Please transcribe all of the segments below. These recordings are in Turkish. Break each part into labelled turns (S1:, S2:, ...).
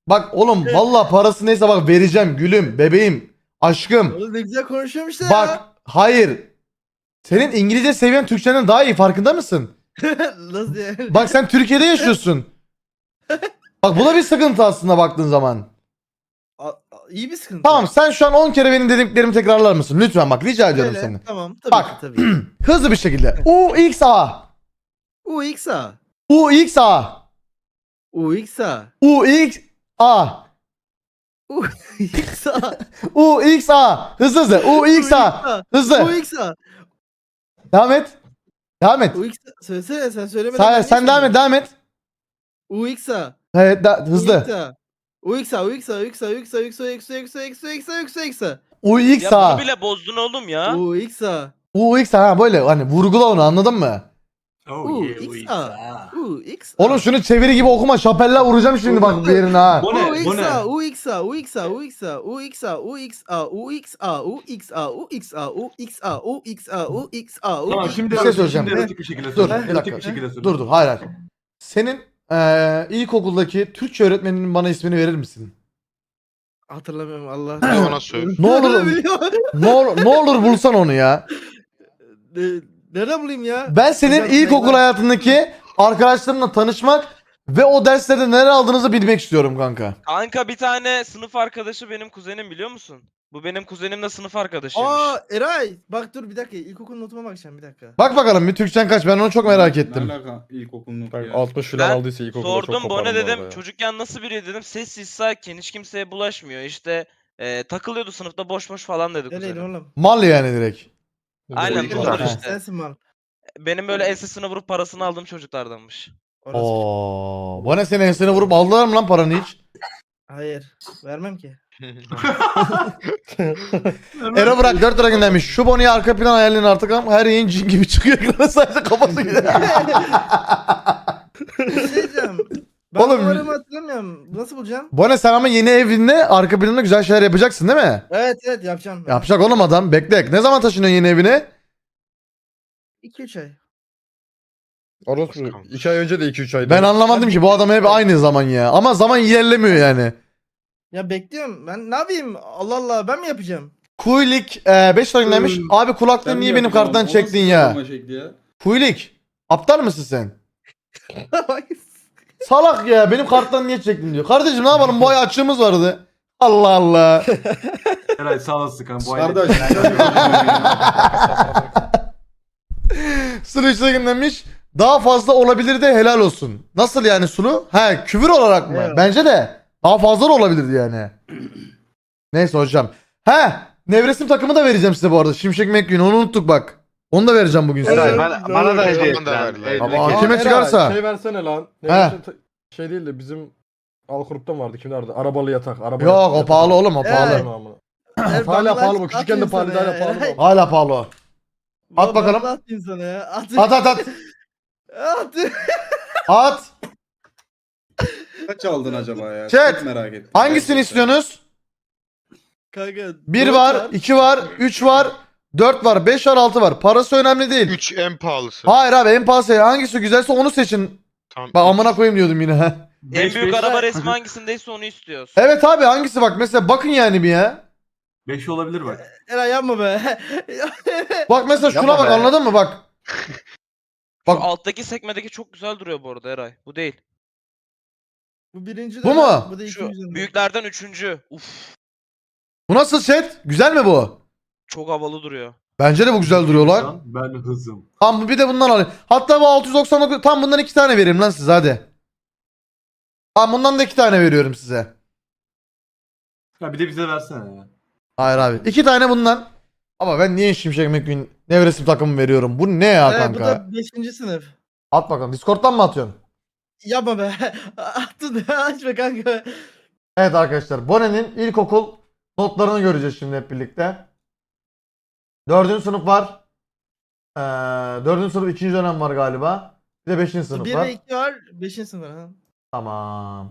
S1: Bak oğlum valla parası neyse bak vereceğim gülüm, bebeğim, aşkım.
S2: Oğlum ne güzel konuşuyorum işte
S1: Bak
S2: ya.
S1: hayır. Senin İngilizce seviyen Türkçenden daha iyi, farkında mısın?
S2: Nasıl yani?
S1: Bak sen Türkiye'de yaşıyorsun. Bak bu da bir sıkıntı aslında baktığın zaman.
S2: İyi bir sıkıntı.
S1: Tamam sen şu an 10 kere benim dediklerimi tekrarlar mısın? Lütfen bak rica ediyorum
S2: Öyle,
S1: seni.
S2: tamam tabii
S1: Bak.
S2: ki tabii ki.
S1: Hızlı bir şekilde. UXA.
S2: UXA.
S1: UXA.
S2: UXA.
S1: UXA.
S2: UXA.
S1: UXA. Hızlı hızlı. UXA. Hızlı.
S2: UXA.
S1: Devam et. Devam et.
S2: UXA. Söylesene sen söylemeden
S1: Sen,
S2: ben
S1: sen devam et, devam et.
S2: UXA.
S1: Evet, hızlı.
S2: UXA. UXA. UXA. UXA. UXA. UXA. UXA. UXA. UXA. UXA. UXA.
S3: Ya
S1: UXA.
S3: bunu bile bozdun oğlum ya.
S2: UXA.
S1: UXA ha böyle hani vurgula onu, anladın mı?
S2: UXA. UXA.
S1: Oğlum şunu çeviri gibi okuma, şapeller vuracağım şimdi bak bir yerine ha.
S4: Bu ne? Bu ne?
S2: UXA. UXA. UXA. UXA. UXA. UXA. UXA. UXA. UXA. UXA. UXA.
S4: Tamam şimdi
S1: Bir şey söyleyeceğim.
S4: Şimdi erotik bir şekilde
S1: Dur
S4: söyle.
S1: bir
S4: Erotik
S1: dakika.
S4: bir şekilde söyle.
S1: Dur hayır hayır. Senin ilkokuldaki Türkçe öğretmeninin bana ismini verir misin?
S2: Hatırlamıyorum Allah.
S5: Bir ona söyle.
S1: Ne olur ne olur bulsan onu ya.
S2: Nerede bulayım ya?
S1: Ben senin
S2: Hocam,
S1: ilkokul
S2: ben-
S1: hayatındaki arkadaşlarınla tanışmak ve o derslerde neler aldığınızı bilmek istiyorum kanka.
S3: Kanka bir tane sınıf arkadaşı benim kuzenim, biliyor musun? Bu benim kuzenimle sınıf arkadaşıymış.
S2: Aa Eray. Bak dur bir dakika. İlkokul notuma bakacağım bir dakika.
S1: Bak bakalım bir Türkçen kaç, ben onu çok merak ettim.
S4: Ne alaka ilkokulun
S6: Bak
S4: ya?
S6: 60 falan
S3: Ben
S6: aldıysa ilkokulda çok
S3: Sordum
S6: koparım
S3: Bone
S6: bu arada
S3: dedim
S6: ya.
S3: çocukken nasıl biri dedim, sessiz sakin, hiç kimseye bulaşmıyor işte, takılıyordu sınıfta boş boş falan dedi
S2: Nereydi
S3: kuzenim.
S2: oğlum?
S1: Mal yani direkt.
S3: Aynen
S5: Bildim
S3: bunlar
S5: zaten.
S3: işte.
S2: Sensin mal.
S3: Benim böyle ensesine vurup parasını aldığım çocuklardanmış.
S2: Orası.
S1: Oo, bana senin ensene vurup aldılar mı lan paranı hiç?
S2: Hayır. Vermem ki.
S1: Ero bırak 4 lira göndermiş. Şu Bonnie'yi arka plan ayarlayın artık ama her yayın cin gibi çıkıyor ekrana, sadece kafası gidiyor.
S2: Bir şey diyeceğim. Ben
S1: Oğlum-
S2: numaramı hatırlamıyorum. Nasıl bulacağım?
S1: Bonnie sen ama yeni evinde arka planda güzel şeyler yapacaksın değil mi?
S2: Evet evet yapacağım.
S1: Yapacak oğlum adam, bekle. Ne zaman taşınıyorsun yeni evine?
S2: 2-3 ay.
S6: Orası 2 ay önce de 2-3 aydı.
S1: Ben anlamadım ki bu adam hep aynı zaman ya. Ama zaman ilerlemiyor yani.
S2: Ya bekliyorum. Ben ne yapayım? Allah Allah ben mi yapacağım?
S1: Kuylik 5 lira göndermiş. Abi kulaklığı niye benim karttan çektin ya? Kuylik. Aptal mısın sen? Salak ya, benim karttan niye çektin diyor. Kardeşim ne yapalım, bu ay açığımız vardı. Allah Allah.
S4: Eray sağ olasın kanka. Bu
S6: Kardeş.
S1: Sulu işte göndermiş. Daha fazla olabilir de helal olsun. Nasıl yani Sulu? He, küfür olarak mı?
S2: Evet.
S1: Bence de. Daha fazla da olabilirdi yani. Neyse hocam. He, Nevresim takımı da vereceğim size bu arada. Şimşek McQueen, onu unuttuk bak. Onu da vereceğim bugün size.
S6: Evet.
S5: Bana da hediye
S6: Bana
S5: et
S6: da
S5: lan.
S6: ver lan.
S1: Ama
S6: Aa,
S1: kime
S6: Eray,
S1: çıkarsa.
S6: Şey versene lan.
S1: He.
S6: Şey değil de bizim Alkurup'ta mı vardı? Kimde vardı? Arabalı yatak. Arabalı
S1: Yok o
S6: yatak.
S1: pahalı oğlum, o
S2: Evet.
S1: pahalı.
S6: Tamam. Hala pahalı bu. Küçükken de pahalı. Hala pahalı bu.
S1: Hala pahalı o. At bakalım.
S2: Ben atayım sana ya. At.
S1: At at at.
S2: At.
S1: At.
S7: Kaç aldın acaba ya?
S1: Chat,
S7: Çok merak ettim.
S1: Hangisini istiyorsunuz?
S2: Kanka.
S1: 1
S2: dört
S1: var, 2 var, 3 var, 4 var, 5 var, 6 var. Parası önemli değil.
S5: 3 en pahalısı.
S1: Hayır abi, en pahalı hangisi güzelse onu seçin.
S5: Tamam.
S1: Bak amına koyayım diyordum yine.
S3: En büyük araba resmi hangisindeyse onu istiyoruz.
S1: Evet abi, hangisi bak mesela, bakın yani bir ya.
S4: 5 olabilir bak.
S2: Eray yapma be.
S1: Bak mesela şuna
S5: Yapma
S1: bak,
S5: be.
S1: anladın mı bak. Bak
S3: Şu alttaki sekmedeki çok güzel duruyor bu arada Eray. Bu değil.
S2: Bu birinci
S1: Bu
S2: dönem,
S1: mu?
S2: Bu da
S3: Şu
S2: ikinci dönem.
S3: büyüklerden üçüncü. Uf,
S1: bu nasıl chat? Güzel mi bu?
S3: çok havalı duruyor.
S1: Bence de bu güzel duruyor lan.
S4: Ben hızım.
S1: Tamam bir de bundan alayım. Hatta bu 699, tam bundan 2 tane vereyim lan size hadi. Tamam bundan da 2 tane veriyorum size.
S4: Ya bir de bize versene ya.
S1: Hayır abi. 2 tane bundan. Ama ben niye Şimşek McQueen Nevresim takımı veriyorum? Bu ne ya
S2: Evet, bu
S1: kanka?
S2: da 5. sınıf.
S1: At bakalım. Discord'dan mı atıyorsun?
S2: Yapma be. Attın açma kanka.
S1: Evet arkadaşlar. Bonnie'nin ilkokul notlarını göreceğiz şimdi hep birlikte. 4. sınıf var. 4. sınıf 2. dönem var galiba. Bir de 5. sınıf
S2: 1
S1: var.
S2: ve 2 var. 5. sınıf var. Ha.
S1: Tamam.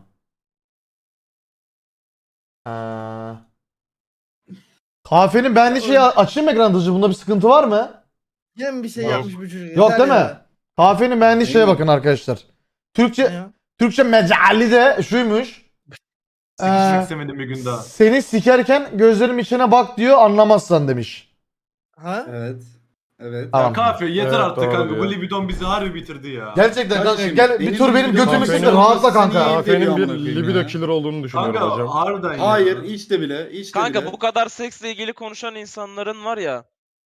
S1: Kahvenin beğendiği şeyi açayım mı ekran dışı? Bunda bir sıkıntı var mı?
S2: Yine mi bir şey
S5: Yok.
S2: yapmış bu çocuk?
S1: Yok
S2: Yeter
S1: değil mi?
S2: ya.
S1: Kahvenin beğendiği şeye bakın arkadaşlar.
S2: Ne
S1: Türkçe
S2: ya?
S1: Türkçe mecali de şuymuş.
S4: Sikişmek
S1: Ee,
S4: istemedim bir gün daha.
S1: Seni sikerken gözlerim içine bak diyor anlamazsan demiş.
S2: Ha?
S7: Evet. Evet.
S1: Tamam.
S4: Ya kahve yeter
S6: Evet,
S4: artık
S6: doğru
S4: kanka.
S6: diyor.
S4: Bu libidon bizi harbi bitirdi ya.
S1: Gerçekten
S7: Kaç
S1: kanka,
S7: demiş?
S1: gel bir
S7: Deniz
S1: tur benim
S7: libido
S1: götümü
S6: olması
S1: siktir
S6: seni
S1: rahatla kanka.
S7: veriyor
S6: Kahvenin
S7: amına
S6: bir
S7: koyayım
S6: libido
S7: ya.
S6: killer olduğunu düşünüyorum
S4: Kanka
S6: hocam.
S4: harbiden ya.
S7: Hayır hiç de bile. Hiç de
S3: Kanka
S7: bile.
S3: bu kadar seksle ilgili konuşan insanların var ya.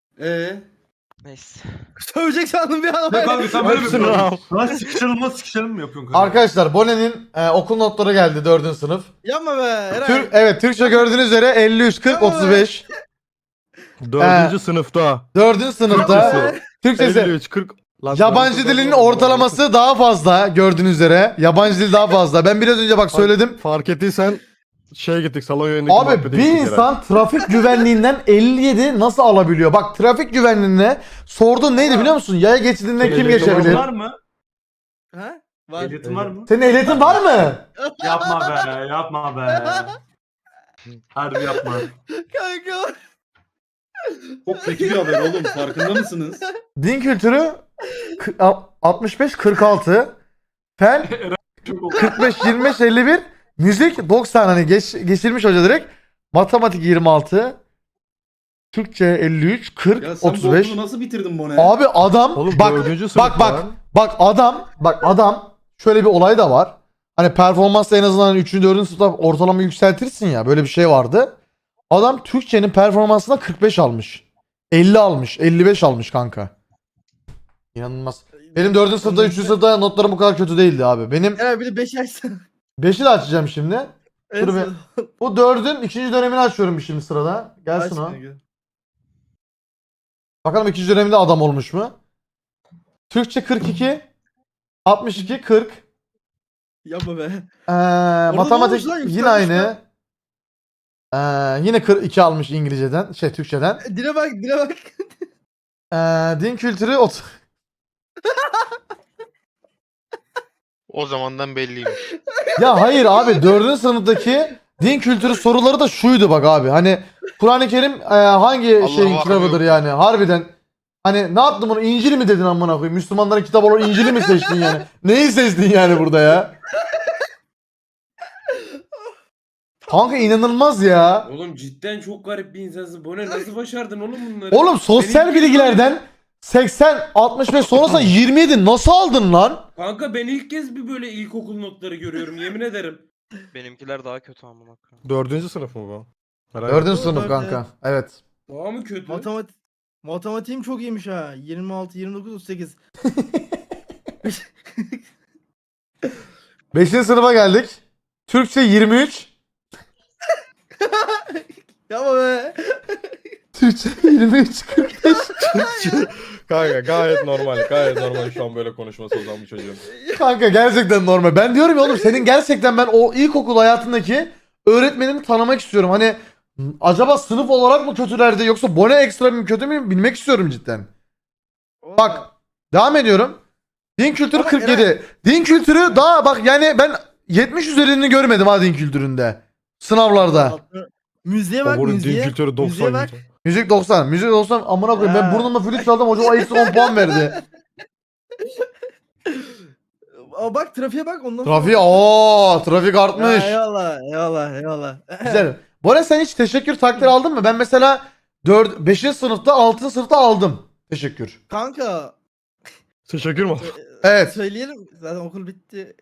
S3: Neyse.
S2: Sövecek sandım bir an.
S4: Ne kanka sen böyle mi
S6: Hepsini
S4: yapıyorsun?
S6: al.
S4: Lan sikişelim mi yapıyorsun kanka?
S1: Arkadaşlar Bone'nin okul notları geldi 4. sınıf.
S2: Yapma be Eray.
S1: Evet Türkçe gördüğünüz üzere 53 40 35.
S6: 4. sınıfta.
S1: 4. sınıfta
S6: Türkçesi.
S1: Türkçesi
S6: 53 40. Lan
S1: yabancı
S6: dördüncü
S1: dilinin
S6: sınıfta
S1: ortalaması daha fazla gördüğünüz üzere. Yabancı dil daha fazla. Ben biraz önce bak söyledim.
S6: Fark ettiysen gittik salon yönündeki
S1: Abi
S6: muhabbete
S1: bir
S6: gittik herhalde.
S1: insan trafik güvenliğinden 57 nasıl alabiliyor? Bak trafik güvenliğine sorduğun neydi biliyor musun? Yaya geçidinden
S6: Senin
S1: kim
S6: ehliyetin
S1: geçebilir?
S4: Var mı?
S2: Ha? Var.
S4: Ehliyetin var mı?
S1: Senin ehliyetin var mı?
S4: Yapma be, yapma be. Harbi yapma.
S2: Kanka.
S7: Çok kötü bir haber oğlum. Farkında mısınız?
S1: Din kültürü 65 46. Fen
S4: Çok
S1: 45 25 51. Müzik 90 hani geçirmiş hoca direkt. Matematik 26. Türkçe 53 40
S7: Ya sen
S1: 35.
S7: bu okulu nasıl bitirdin bu ne?
S1: Abi adam
S6: Oğlum
S1: bak
S6: 4. sınıf
S1: bak adam şöyle bir olay da var. Hani performansla en azından 3. 4. sınıfta ortalama yükseltirsin ya, böyle bir şey vardı. Adam Türkçenin performansına 45 almış. 50 almış, 55 almış kanka. İnanılmaz. Benim 4. sınıfta 3. sınıfta notlarım bu kadar kötü değildi abi. Benim
S2: Eray bir de 5 açsana.
S1: 5'i de açacağım şimdi.
S2: En
S1: Dur be.
S2: son.
S1: Bu 4'ün 2. dönemini açıyorum bir şimdi sırada. Gelsin
S2: Aç
S1: o.
S2: kanka.
S1: Bakalım 2. döneminde adam olmuş mu? Türkçe 42, 62, 40.
S2: Yapma be.
S1: Matematik
S2: olmuş lan,
S1: yine
S2: yükselmiş
S1: aynı. Yine 42 almış İngilizceden, Türkçeden.
S2: Dile bak dile bak.
S1: Din kültürü
S5: O zamandan belliymiş.
S1: Ya hayır abi 4. sınıftaki din kültürü soruları da şuydu bak abi. Hani Kur'an-ı Kerim hangi
S5: Allah
S1: şeyin
S5: Allah,
S1: kitabıdır
S5: yok.
S1: yani harbiden. Hani ne yaptın bunu, İncil mi dedin amına koyayım? Müslümanların kitabı olan İncil'i mi seçtin yani? Neyi seçtin yani burada ya? Kanka inanılmaz ya.
S8: Oğlum cidden çok garip bir insansın. Bu ne? Nasıl başardın oğlum bunları?
S1: Oğlum sosyal
S8: Benim-
S1: bilgilerden 80, 65 sonrasında 27 nasıl aldın lan?
S8: Kanka ben ilk kez bir böyle ilkokul notları görüyorum yemin ederim.
S3: Benimkiler daha kötü amına koyayım.
S6: 4. sınıf mı bu? Herhalde.
S1: 4.
S2: Doğru,
S1: sınıf
S2: dört,
S1: kanka. Evet.
S8: Daha mı kötü?
S2: Matematiğim çok iyiymiş ha. 26, 29, 38.
S1: 5. sınıfa geldik. Türkçe 23.
S2: Yapma be.
S1: Türkçe 23 45.
S6: Kanka gayet normal. Gayet normal şu an böyle konuşması o zaman bu çocuğun.
S1: Kanka gerçekten normal. Ben diyorum ya oğlum, senin gerçekten ben o ilkokul hayatındaki öğretmenini tanımak istiyorum. Hani acaba sınıf olarak mı kötülerdi yoksa Bone ekstra mı kötü mü bilmek istiyorum cidden. Bak devam ediyorum. Din kültürü
S2: Ama
S1: 47. Din kültürü daha bak yani ben 70 üzerini görmedim ha din kültüründe. Sınavlarda.
S2: Müziğe bak
S6: Onun din
S2: müziğe.
S6: kültürü
S2: Müziğe
S6: 90.
S2: bak.
S1: Müzik 90. Müzik 90 amına koyayım. Ben
S2: Ha.
S1: burnumla flüt çaldım. Hoca o eksi 10 puan verdi.
S2: Aa, bak trafiğe bak ondan
S1: Trafik trafik
S2: sonra.
S1: artmış.
S2: Eyvallah eyvallah eyvallah.
S1: Güzel. Bora sen hiç teşekkür takdir aldın mı? Ben mesela 5. sınıfta 6. sınıfta aldım. Teşekkür.
S2: Kanka
S6: Teşekkür mü?
S1: Evet.
S2: söyleyelim. Zaten okul bitti.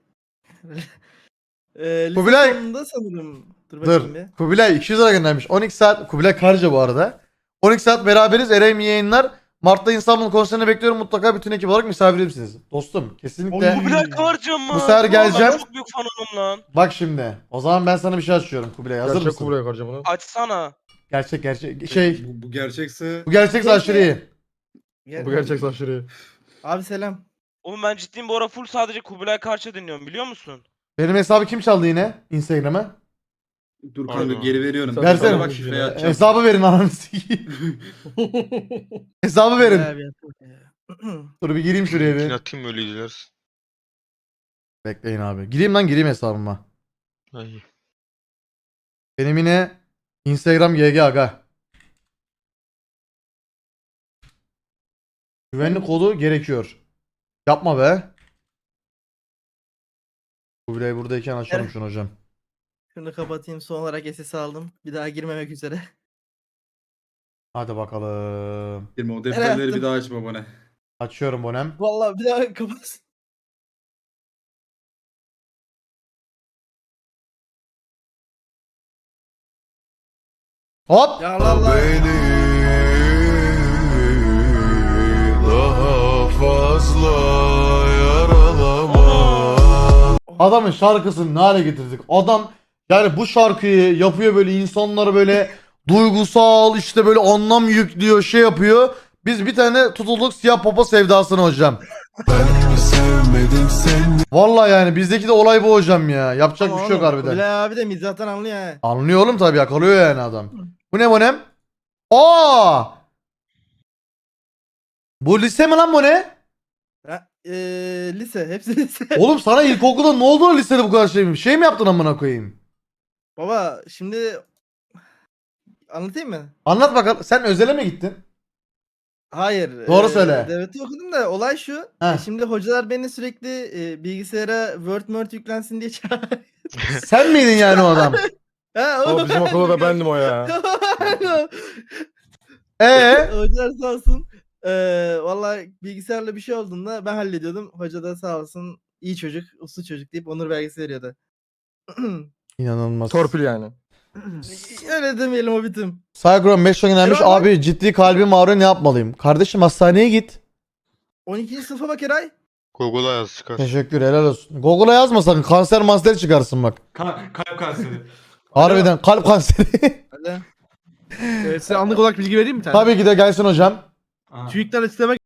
S1: Kubilay.
S2: Lise sonunda sanırım. Dur
S1: Dur.
S2: bakayım bir.
S1: Kubilay 200 lira göndermiş. 12 saat. Kubilay Karca bu arada. 12 saat beraberiz. Erayim yayınlar. Mart'ta İstanbul konserine bekliyorum. Mutlaka bütün ekip olarak misafir misiniz? Dostum kesinlikle.
S4: Oy.
S3: Kubilay Karca mı?
S1: Bu sefer
S3: Ulan
S1: geleceğim.
S3: Ben çok büyük fanım lan.
S1: Bak şimdi. O zaman ben sana bir şey açıyorum Kubilay. Hazır
S6: Gerçek
S1: mısın?
S6: Kubilay harcam bunu.
S3: Açsana.
S1: Gerçek. Şey.
S7: Bu gerçekse
S1: Bu gerçekse aşırı iyi.
S2: Gel.
S6: Bu gerçek aşırı.
S2: Abi selam.
S3: Oğlum ben ciddiyim bu ara full sadece Kubilay Karça dinliyorum biliyor musun?
S1: Benim hesabı kim çaldı yine? Instagram'a.
S7: dur kanka
S5: Pardon.
S7: geri veriyorum.
S6: Sen
S1: Versene.
S7: Sana bak şifreyi atacağım.
S1: Hesabı verin ananı sikeyim. Hesabı verin.
S2: Abi.
S1: Dur bir gireyim şuraya
S5: Linkini
S1: bir.
S5: atayım öyle izlersin.
S1: Bekleyin abi. Gireyim hesabıma.
S5: Ay.
S1: Benim yine Instagram GG aga. Güvenlik kodu gerekiyor. Yapma be. Kubilay buradayken açalım
S2: Evet.
S1: şunu hocam.
S2: Şunu kapatayım. Son olarak SS aldım. Bir daha girmemek üzere.
S1: Hadi bakalım.
S7: Girme o
S2: Nereye
S7: defterleri
S2: attın?
S7: bir daha açma bana.
S1: Açıyorum Bonem.
S2: Vallahi bir daha kapat.
S1: Hop.
S2: Ya Allah Allah.
S5: Daha fazla yaralama.
S1: Adamın şarkısını ne hale getirdik? Adam yani bu şarkıyı yapıyor böyle insanları böyle duygusal işte böyle anlam yüklüyor şey yapıyor. Biz bir tane tutulduk siyah popo sevdasına hocam. Vallahi yani bizdeki de olay bu hocam ya. Yapacak bir şey yok harbiden.
S2: Bilal abi de mizahtan anlıyor ha.
S1: Anlıyor oğlum tabii yakalıyor yani adam. Bu ne Bonem? Aa! Bu lise mi lan bu ne?
S2: Ha, lise. Hepsi lise.
S1: Oğlum sana ilkokulda ne oldu da lisede bu kadar şey mi? Şey mi yaptın amına koyayım?
S2: Baba şimdi anlatayım mı?
S1: Anlat bakalım. Sen özele mi gittin?
S2: Hayır.
S1: Doğru söyle.
S2: Devleti okudum da olay şu.
S1: Heh.
S2: Şimdi hocalar beni sürekli bilgisayara Word yüklensin diye çağırıyor.
S1: Sen miydin yani o adam?
S2: Ha,
S6: O bizim okulda da bendim o ya.
S2: Hocalar sağ olsun. Vallahi bilgisayarla bir şey olduğunda ben hallediyordum. Hoca da sağ olsun iyi çocuk, uslu çocuk deyip onur belgesi veriyordu.
S1: İnanılmaz.
S6: Torpil yani.
S2: Öyle demeyelim o bitim.
S1: Saygıram 5 gelmiş.
S2: Erol bak.
S1: Abi ciddi kalbim ağrıyor ne yapmalıyım? Kardeşim hastaneye git.
S2: 12. sınıfa bak Eray.
S5: Google'a yaz çıkar.
S1: Teşekkür helal olsun. Google'a yazma sakın. Kanser master çıkarsın bak.
S4: Kalp kanseri.
S1: Harbiden kalp kanseri.
S2: Hadi.
S9: Size anlık olarak bilgi vereyim mi bir tane?
S1: Tabii ki de gelsin hocam.
S4: Aha.
S9: TÜİK'ten açıklama